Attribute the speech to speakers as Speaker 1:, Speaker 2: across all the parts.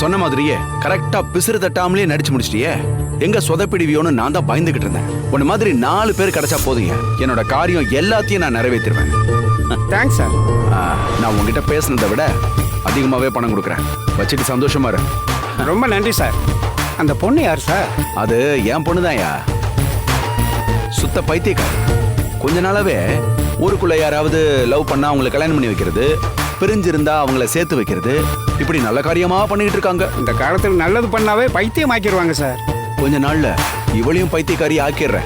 Speaker 1: சொன்ன மாதிரியே கரெக்டா பிசிறு தட்டாமலே நடிச்சு முடிச்சிட்டியே. எங்க சொதப்பிடுவியோன்னு நான் தான் பயந்துகிட்டு இருந்தேன். உன்ன மாதிரி 4 பேர் கிடைச்சா போதுங்க, என்னோட காரியம் எல்லாத்தையும் நான் நிறைவேற்றிடுவேன்.
Speaker 2: Thanks sir.
Speaker 1: நான் உங்ககிட்ட பேசுனதை விட அதிகமாவே பணம் கொடுக்குறேன். வச்சுட்டு சந்தோஷமா இரு.
Speaker 2: ரொம்ப நன்றி சார். அந்த பொண்ணு யார் சார்?
Speaker 1: அது என் பொண்ணுதான்யா. சுத்த பைத்தியக்காரி. கொஞ்ச நாளாவே ஊருக்குள்ள யாராவது லவ் பண்ணா அவங்களை கல்யாணம் பண்ணி வைக்கிறது, பிரிஞ்சிருந்தா அவங்கள சேர்த்து வைக்கிறது, இப்படி நல்ல காரியமா பண்ணிட்டு இருக்காங்க.
Speaker 2: இந்த காலத்தில் நல்லது பண்ணாவே பைத்தியம் ஆக்கிடுவாங்க சார்.
Speaker 1: கொஞ்ச நாள்ல இவளையும் பைத்தியக்காரி ஆக்கிடுறேன்.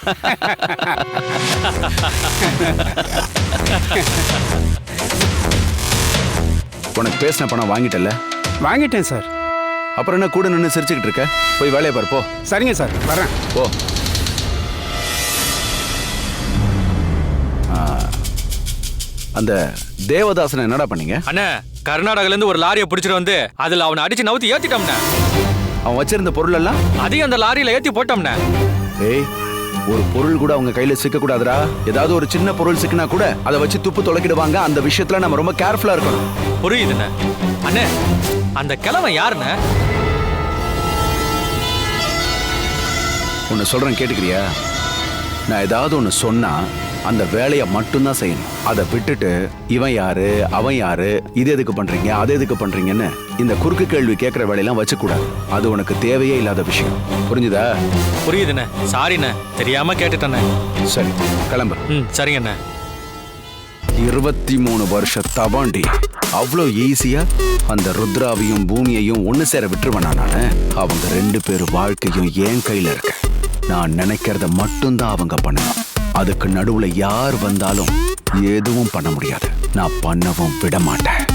Speaker 1: உனக்கு பேசின பணம் வாங்கிட்டல?
Speaker 2: வாங்கிட்டேன் சார்.
Speaker 1: அப்புறம் என்ன கூட நின்று சிரிச்சுக்கிட்டு இருக்க? போய் வேலையை பாரு போ.
Speaker 2: சரிங்க சார், வரேன்.
Speaker 1: போ. அந்த தேவதாசனை என்னடா பண்ணீங்க?
Speaker 3: அண்ணா, கர்நாடகால இருந்து ஒரு லாரியை பிடிச்சிட்டு வந்து அதுல அவனை அடிச்சு நவுத்தி ஏத்திட்டோம்னா.
Speaker 1: அவன் வச்சிருந்த பொருள் எல்லாம்
Speaker 3: அதையும் அந்த லாரியில ஏத்தி போட்டோம்னா.
Speaker 1: ஏய், ஒரு பொருள் கூட அவங்க கையில சிக்க கூடாதுடா. ஏதாவது ஒரு சின்ன பொருள் சிக்கினா கூட அதை வச்சு துப்பு தொலைக்கிடுவாங்க. அந்த விஷயத்துல நம்ம ரொம்ப கேர்ஃபுல்லா இருக்கணும்.
Speaker 3: புரியுதுண்ணே. அண்ணே, அந்த கிழவன் யாருண்ணே?
Speaker 1: ஒன்னு சொல்றேன், கேட்டுக்கிறியா? நான் ஏதாவது ஒன்னு சொன்னா அந்த வேலையை மட்டும்தான் செய்யணும். அதை விட்டுட்டு இவன் யாரு, அவன் யாரு, இது எதுக்கு பண்றீங்க, அது எதுக்கு பண்றீங்கன்னு இந்த குறுக்கு கேள்வி கேட்கிற வேலையெல்லாம் வச்சுக்கூடாது. அது உனக்கு தேவையே இல்லாத விஷயம். புரிஞ்சுதா?
Speaker 3: புரியுதுண்ணே. சாரிண்ணே, தெரியாம கேட்டுட்டேண்ணே.
Speaker 1: சரி, கிளம்பு.
Speaker 3: சரிங்கண்ணே.
Speaker 1: 23 வருஷ தபாண்டி அவ்வளோ ஈஸியா அந்த ருத்ராவையும் பூமியையும் ஒன்னு சேர விட்டுருவேனா நானு? அவங்க 2 பேர் வாழ்க்கையும் என் கையில இருக்கு. நான் நினைக்கிறத மட்டும்தான் அவங்க பண்ணணும். அதுக்கு நடுவுல யார் வந்தாலும் எதுவும் பண்ண முடியாது. நான் பண்ணவும் விட மாட்டேன்.